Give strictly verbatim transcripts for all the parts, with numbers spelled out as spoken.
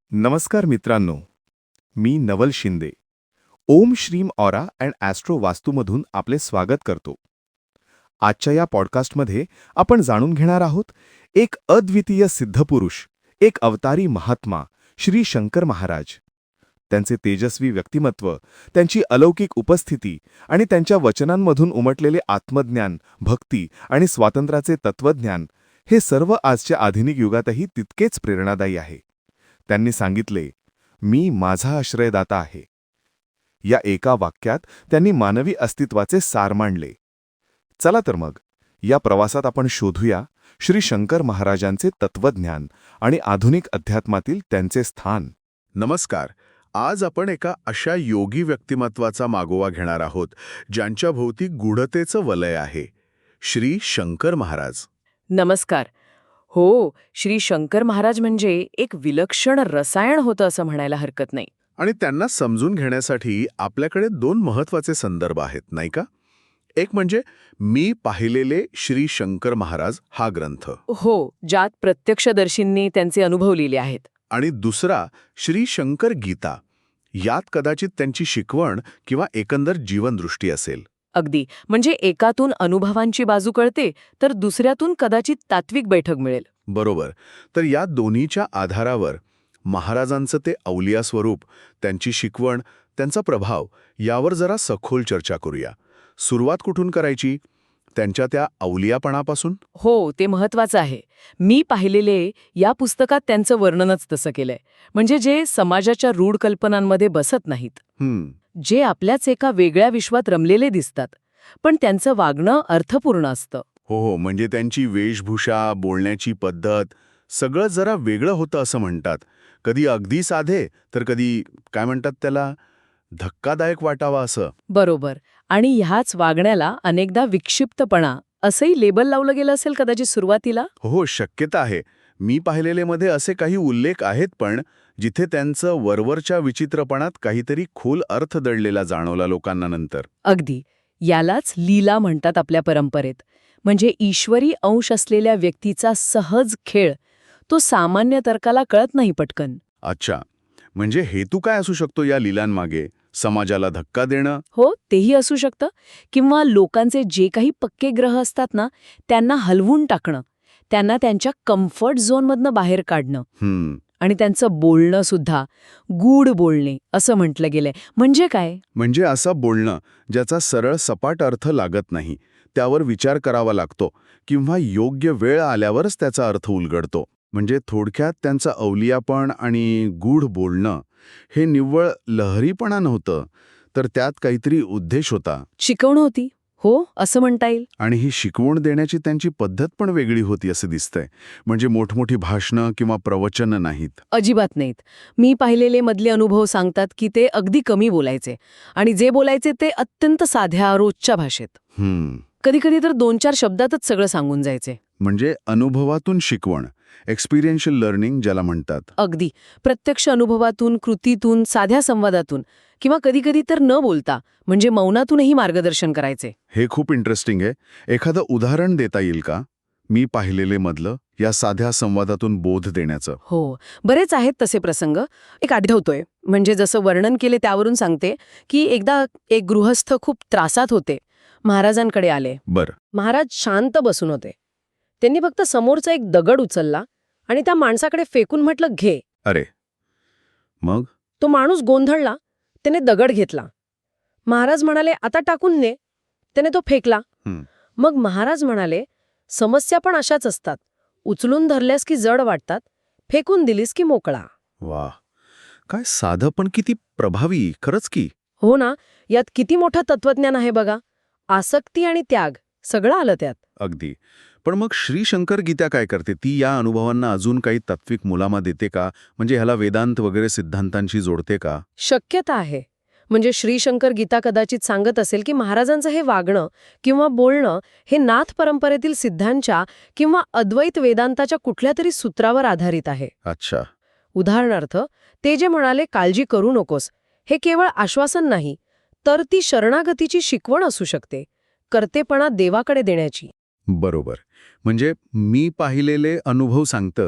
नमस्कार मित्रांनो, मी नवल शिंदे. ओम श्रीम ऑरा अँड ॲस्ट्रो वास्तूमधून आपले स्वागत करतो. आजच्या या पॉडकास्टमध्ये आपण जाणून घेणार आहोत एक अद्वितीय सिद्धपुरुष, एक अवतारी महात्मा, श्री शंकर महाराज. त्यांचे तेजस्वी व्यक्तिमत्व, त्यांची अलौकिक उपस्थिती आणि त्यांच्या वचनांमधून उमटलेले आत्मज्ञान, भक्ती आणि स्वातंत्र्याचे तत्वज्ञान हे सर्व आजच्या आधुनिक युगातही तितकेच प्रेरणादायी आहे. त्यांनी सांगितले, मी माझा आश्रयदाता आहे. या एका वाक्यात त्यांनी मानवी अस्तित्वाचे सार मांडले. चला तर मग या प्रवासात आपण शोधूया श्री शंकर महाराजांचे तत्वज्ञान आणि आधुनिक अध्यात्मातील त्यांचे स्थान. नमस्कार. आज आपण एका अशा योगी व्यक्तिमत्वाचा मागोवा घेणार आहोत ज्यांच्या भोवती गूढतेचं वलय आहे. श्री शंकर महाराज. नमस्कार. हो, श्री शंकर महाराज म्हणजे एक विलक्षण रसायन होतं असं म्हणायला हरकत नाही. आणि त्यांना समजून घेण्यासाठी आपल्याकडे दोन महत्वाचे संदर्भ आहेत, नाही का? एक म्हणजे मी पाहिलेले श्री शंकर महाराज हा ग्रंथ, हो, ज्यात प्रत्यक्षदर्शींनी त्यांचे अनुभव लिहिले आहेत. आणि दुसरा श्री शंकर गीता. यात कदाचित त्यांची शिकवण किंवा एकंदर जीवनदृष्टी असेल. अगदी, म्हणजे एकातून अनुभवांची बाजू कळते तर दुसऱ्यातून कदाचित तात्विक बैठक मिळेल. बरोबर. तर या दोन्हीच्या आधारावर महाराजांचं ते अवलिया स्वरूप, त्यांची शिकवण, त्यांचा प्रभाव यावर जरा सखोल चर्चा करूया. सुरुवात कुठून करायची? त्यांच्या त्या अवलियापणापासून? हो, ते महत्वाचं आहे. मी पाहिलेले या पुस्तकात त्यांचं वर्णनच तसं केलंय. म्हणजे जे समाजाच्या रूढ कल्पनांमध्ये बसत नाहीत, हम्म जे आपल्याच एका वेगळ्या विश्वात रमलेले दिसतात, पण त्यांचं वागणं अर्थपूर्ण असतं. हो हो म्हणजे त्यांची वेशभूषा, बोलण्याची पद्धत सगळं जरा वेगळं होतं असं म्हणतात. कधी अगदी साधे, तर कधी काय म्हणतात त्याला, धक्कादायक वाटावा असं. बरोबर. आणि ह्याच वागण्याला अनेकदा विक्षिप्तपणा असंही लेबल लावलं गेलं असेल कदाचित सुरुवातीला. हो हो शक्यता आहे. मी पाहिलेलेमध्ये असे काही उल्लेख आहेत पण जिथे त्यांचं वरवरच्या विचित्रपणात काहीतरी खोल अर्थ दडलेला जाणवला लोकांना नंतर. अगदी. यालाच लीला म्हणतात आपल्या परंपरेत. म्हणजे ईश्वरी अंश असलेल्या व्यक्तीचा सहज खेळ. तो सामान्य तर्काला कळत नाही पटकन. अच्छा, म्हणजे हेतू काय असू शकतो या लीलांमागे? समाजाला धक्का देणं? हो, तेही असू शकतं. किंवा लोकांचे जे काही पक्के ग्रह असतात ना, त्यांना हलवून टाकणं, त्यांना त्यांच्या कम्फर्ट झोनमधनं बाहेर काढणं. हम्म आणि त्यांचं बोलणं सुद्धा गूढ बोलणे असं म्हटलं गेलंय. म्हणजे काय? म्हणजे असं बोलणं ज्याचा सरळ सपाट अर्थ लागत नाही, त्यावर विचार करावा लागतो किंवा योग्य वेळ आल्यावरच त्याचा अर्थ उलगडतो. म्हणजे थोडक्यात त्यांचं अवलियापण आणि गूढ बोलणं हे निव्वळ लहरीपणा नव्हतं, तर त्यात काहीतरी उद्देश होता. शिकवणं होती. हो, असं म्हणता येईल. आणि ही शिकवण देण्याची त्यांची पद्धत पण वेगळी होती असं दिसतंय. म्हणजे मोठमोठी भाषणं किंवा प्रवचनं नाहीत. अजिबात नाहीत. मी पाहिलेले मधले अनुभव सांगतात की ते अगदी कमी बोलायचे आणि जे बोलायचे ते अत्यंत साध्या रोजच्या भाषेत. हम्म कधीकधी तर दोन चार शब्दातच सगळं सांगून जायचे. म्हणजे अनुभवातून शिकवण, एक्सपिरियन्शियल लर्निंग ज्याला म्हणतात. अगदी. प्रत्यक्ष अनुभवातून, कृतीतून, साध्या संवादातून किंवा कधीकधी तर न बोलता म्हणजे मौनातूनही मार्गदर्शन करायचे. हे खूप इंटरेस्टिंग आहे. एखादं उदाहरण देता येईल का मी पाहिलेले मधलं या साध्या संवादातून बोध देण्याचं? हो, बरेच आहेत तसे प्रसंग. एक आठवतोय. म्हणजे जसं वर्णन केले त्यावरून सांगते की एकदा एक गृहस्थ खूप त्रासात होते. महाराजांकडे आले. बरं. महाराज शांत बसून होते. त्यांनी फक्त समोरचा एक दगड उचलला आणि त्या माणसाकडे फेकून म्हटलं, घे. अरे, मग? तो माणूस गोंधळला. त्याने दगड घेतला. महाराज म्हणाले, आता टाकून दे. त्याने तो फेकला. हं. मग महाराज म्हणाले, समस्या पण अशाच असतात. उचलून धरल्यास की जड वाटतात, फेकून दिलीस की मोकळा. वा, काय साधं पण किती प्रभावी. खरंच की. हो ना, यात किती मोठं तत्वज्ञान आहे बघा. आसक्ती आणि त्याग सगळं आलं त्यात. अगदी. पण मग श्री शंकर गीता काय करते? ती या अनुभवांना अजून काही तात्विक मुलामा देते का? म्हणजे ह्याला वेदांत वगैरे सिद्धांतांशी जोडते का? शक्यता आहे. म्हणजे श्री शंकर गीता कदाचित सांगत असेल की महाराजांचं हे वागणं किंवा बोलणं हे नाथ परंपरेतील सिद्धांच्या किंवा अद्वैत वेदांताच्या कुठल्या तरी सूत्रावर आधारित आहे. अच्छा. उदाहरणार्थ, ते जे म्हणाले काळजी करू नकोस, हे केवळ आश्वासन नाही, तर ती शरणागतीची शिकवण असू शकते, कर्तेपणा देवाकडे देण्याची. बरोबर. म्हणजे मी पाहिलेले अनुभव सांगतं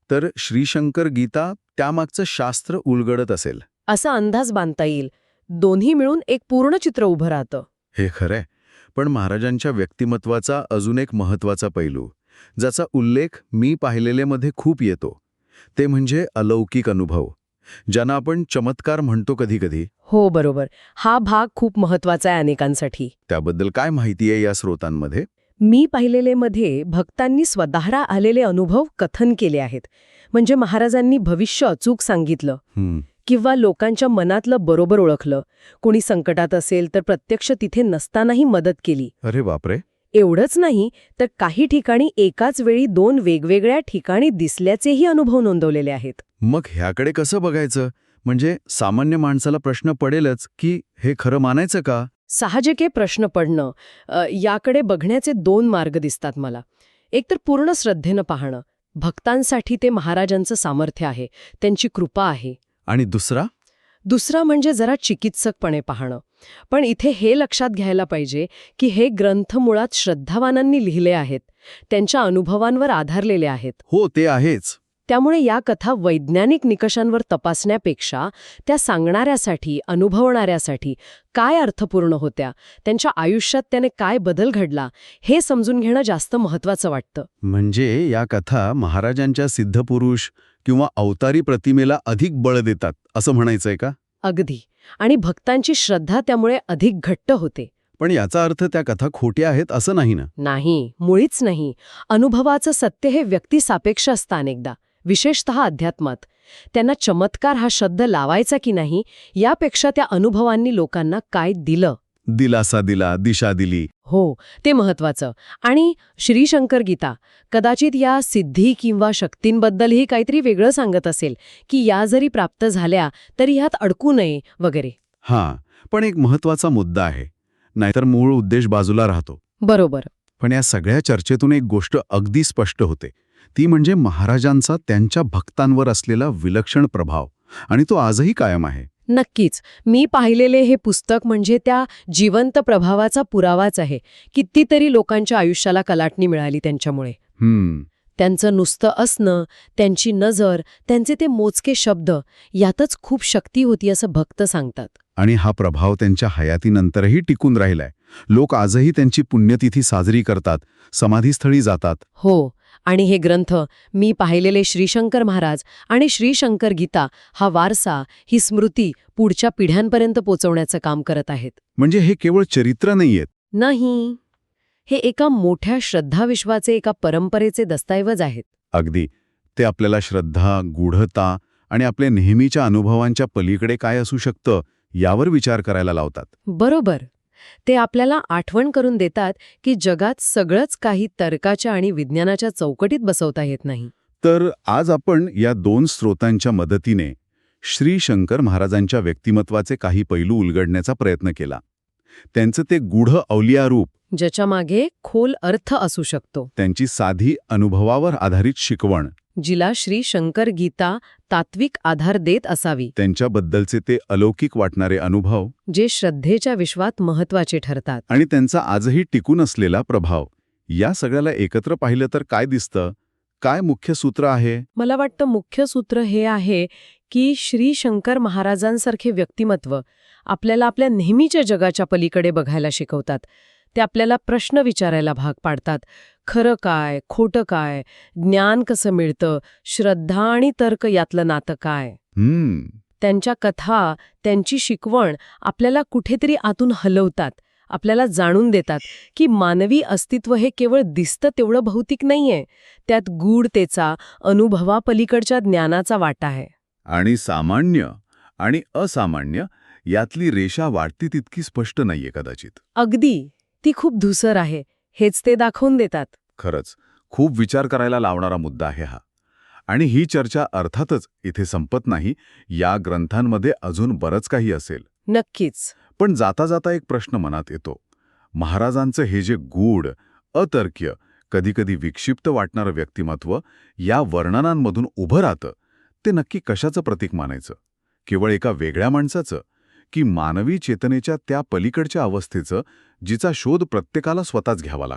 तर श्रीशंकर गीता त्यामागचं शास्त्र उलगडत असेल. असा अंदाज बांधता येईल. दोन्ही मिळून एक पूर्ण चित्र उभं राहतं. हे खरंय. पण महाराजांच्या व्यक्तिमत्वाचा अजून एक महत्वाचा पैलू, ज्याचा उल्लेख मी पाहिलेलेमध्ये खूप येतो, ते म्हणजे अलौकिक अनुभव, ज्यांना आपण चमत्कार म्हणतो कधीकधी. हो, बरोबर. हा भाग खूप महत्वाचा आहे अनेकांसाठी. त्याबद्दल काय माहिती आहे या स्रोतांमध्ये? मी पाहिलेलेमध्ये भक्तांनी स्वतःला आलेले अनुभव कथन केले आहेत. म्हणजे महाराजांनी भविष्य अचूक सांगितलं हं, किंवा लोकांच्या मनातलं बरोबर ओळखलं. कोणी संकटात असेल तर प्रत्यक्ष तिथे नसतानाही मदत केली. अरे बापरे. एवढंच नाही तर काही ठिकाणी एकाच वेळी दोन वेगवेगळ्या ठिकाणी दिसल्याचेही अनुभव नोंदवलेले आहेत. मग ह्याकडे कसं बघायचं? म्हणजे सामान्य माणसाला प्रश्न पडेलच की हे खरं मानायचं का? साहजिके प्रश्न पडणं. अ, याकडे बघण्याचे दोन मार्ग दिसतात मला. एक तर पूर्ण श्रद्धेनं पाहणं. भक्तांसाठी ते महाराजांचं सामर्थ्य आहे, त्यांची कृपा आहे. आणि दुसरा? दुसरा म्हणजे जरा चिकित्सकपणे पाहणं. पण इथे हे लक्षात घ्यायला पाहिजे की हे ग्रंथ मुळात श्रद्धावानांनी लिहिले आहेत, त्यांच्या अनुभवांवर आधारलेले आहेत. हो, ते आहेच. त्यामुळे या कथा वैज्ञानिक निकषांवर तपासण्यापेक्षा त्या सांगणाऱ्यासाठी, अनुभवणाऱ्यासाठी काय अर्थपूर्ण होत्या, त्यांच्या आयुष्यात त्याने काय बदल घडला, हे समजून घेणं जास्त महत्त्वाचं वाटतं. म्हणजे या कथा महाराजांच्या सिद्धपुरुष किंवा अवतारी प्रतिमेला अधिक बळ देतात असं म्हणायचंय का? अगदी. आणि भक्तांची श्रद्धा त्यामुळे अधिक घट्ट होते. पण याचा अर्थ त्या कथा खोट्या आहेत असं नाही ना? नाही, मुळीच नाही. अनुभवाचं सत्य हे व्यक्तिसापेक्ष असतं अनेकदा, विशेषतः अध्यात्मात. त्यांना चमत्कार हा शब्द लावायचा की नाही यापेक्षा त्या अनुभवांनी लोकांना काय दिलं, दिलासा दिला, दिशा दिली. हो, ते महत्वाचं. आणि श्रीशंकर गीता कदाचित या सिद्धी किंवा शक्तींबद्दलही काहीतरी वेगळं सांगत असेल, की या जरी प्राप्त झाल्या तरी ह्यात अडकू नये वगैरे. हां, पण एक महत्वाचा मुद्दा आहे, नाहीतर मूळ उद्देश बाजूला राहतो. बरोबर. पण या सगळ्या चर्चेतून एक गोष्ट अगदी स्पष्ट होते, ती म्हणजे महाराजांचा त्यांच्या भक्तांवर असलेला विलक्षण प्रभाव, आणि तो आजही कायम आहे. नक्कीच. मी पाहिलेले हे पुस्तक म्हणजे त्या जिवंत प्रभावाचा पुरावाच आहे. कितीतरी लोकांच्या आयुष्याला कलाटणी मिळाली त्यांच्यामुळे. हम्म. त्यांचं नुसतं असणं, त्यांची नजर, त्यांचे ते मोजके शब्द, यातच खूप शक्ती होती असं भक्त सांगतात. आणि हा प्रभाव त्यांच्या हयातीनंतरही टिकून राहिलाय. लोक आजही त्यांची पुण्यतिथी साजरी करतात, समाधीस्थळी जातात. हो. आणि हे ग्रंथ, मी पाहिलेले श्रीशंकर महाराज आणि श्रीशंकर गीता, हा वारसा, ही स्मृती पुढच्या पिढ्यांपर्यंत पोचवण्याचं काम करत आहेत. म्हणजे हे केवळ चरित्र नाहीयेत. नाही, हे एका मोठ्या श्रद्धाविश्वाचे, एका परंपरेचे दस्तऐवज आहेत. अगदी. ते आपल्याला श्रद्धा, गूढता आणि आपल्या नेहमीच्या अनुभवांच्या पलीकडे काय असू शकतं यावर विचार करायला लावतात. बरोबर. ते आपल्याला आठवण करून देतात की जगात सगळंच काही तर्काच्या आणि विज्ञानाच्या चौकटीत बसवता येत नाही. तर आज आपण या दोन स्रोतांच्या मदतीने श्री शंकर महाराजांच्या व्यक्तिमत्वाचे काही पैलू उलगडण्याचा प्रयत्न केला. त्यांचं ते गूढ अवलिया रूप, ज्याच्या मागे खोल अर्थ असू शकतो, त्यांची साधी अनुभवावर आधारित शिकवण, जिला श्री शंकर गीता तात्विक आधार देत असावी, त्यांच्याबद्दलचे ते अलौकिक वाटणारे अनुभव, जे श्रद्धेच्या विश्वात महत्वाचे ठरतात, आणि त्यांचा आजही टिकून असलेला प्रभाव, या सगळ्याला एकत्र पाहिलं तर काय दिसतं? काय मुख्य सूत्र आहे? मला वाटतं मुख्य सूत्र हे आहे की श्री शंकर महाराजांसारखे व्यक्तिमत्व आपल्याला आपल्या नेहमीच्या जगाच्या पलीकडे बघायला शिकवतात. ते आपल्याला प्रश्न विचारायला भाग पाडतात. खरं काय, खोटं काय, ज्ञान कसं मिळतं, श्रद्धा आणि तर्क यातलं नातं काय. हम्म. त्यांच्या कथा, त्यांची शिकवण आपल्याला कुठेतरी आतून हलवतात, आपल्याला जाणून देतात की मानवी अस्तित्व हे केवळ दिसतं तेवढं भौतिक नाहीये, त्यात गूढतेचा, अनुभवापलीकडच्या ज्ञानाचा वाटा आहे. आणि सामान्य आणि असामान्य यातली रेषा वाटती तितकी स्पष्ट नाहीये कदाचित. अगदी. ती खूप धुसर आहे, हेच ते दाखवून देतात. खरंच खूप विचार करायला लावणारा मुद्दा आहे हा. आणि ही चर्चा अर्थातच इथे संपत नाही. या ग्रंथांमध्ये अजून बरंच काही असेल. नक्कीच. पण जाता जाता एक प्रश्न मनात येतो. महाराजांचं हे जे गूढ, अतर्क्य, कधीकधी विक्षिप्त वाटणारं व्यक्तिमत्व या वर्णनांमधून उभं राहतं, ते नक्की कशाचं प्रतीक मानायचं? केवळ एका वेगळ्या माणसाचं, की मानवी चेतनेच्या त्या पलीकडच्या अवस्थेचं, जिचा शोध प्रत्येकाला स्वतःच घ्यावा लागतो?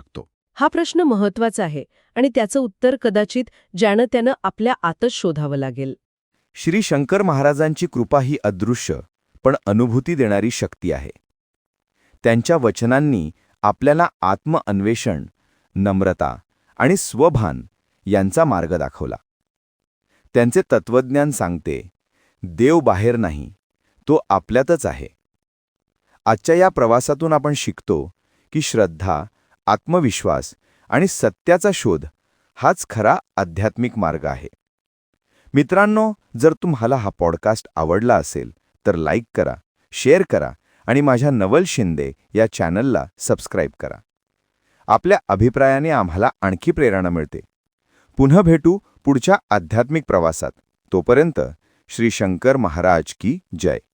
हा प्रश्न महत्वाचा आहे आणि त्याचं उत्तर कदाचित ज्यानं त्यानं आपल्या आतच शोधावं लागेल. श्री शंकर महाराजांची कृपा ही अदृश्य पण अनुभूती देणारी शक्ती आहे. त्यांच्या वचनांनी आपल्याला आत्मअन्वेषण, नम्रता आणि स्वभान यांचा मार्ग दाखवला. त्यांचे तत्वज्ञान सांगते, देव बाहेर नाही, तो आपल्यातच आहे. आजच्या या प्रवासातून आपण शिकतो की श्रद्धा, आत्मविश्वास आणि सत्याचा शोध हाच खरा आध्यात्मिक मार्ग आहे. मित्रांनो, जर तुम्हाला हा पॉडकास्ट आवडला असेल तर लाईक करा, शेअर करा आणि माझ्या नवल शिंदे या चॅनलला सबस्क्राईब करा. आपल्या अभिप्रायाने आम्हाला आणखी प्रेरणा मिळते. पुन्हा भेटू पुढच्या आध्यात्मिक प्रवासात. तोपर्यंत श्री शंकर महाराज की जय.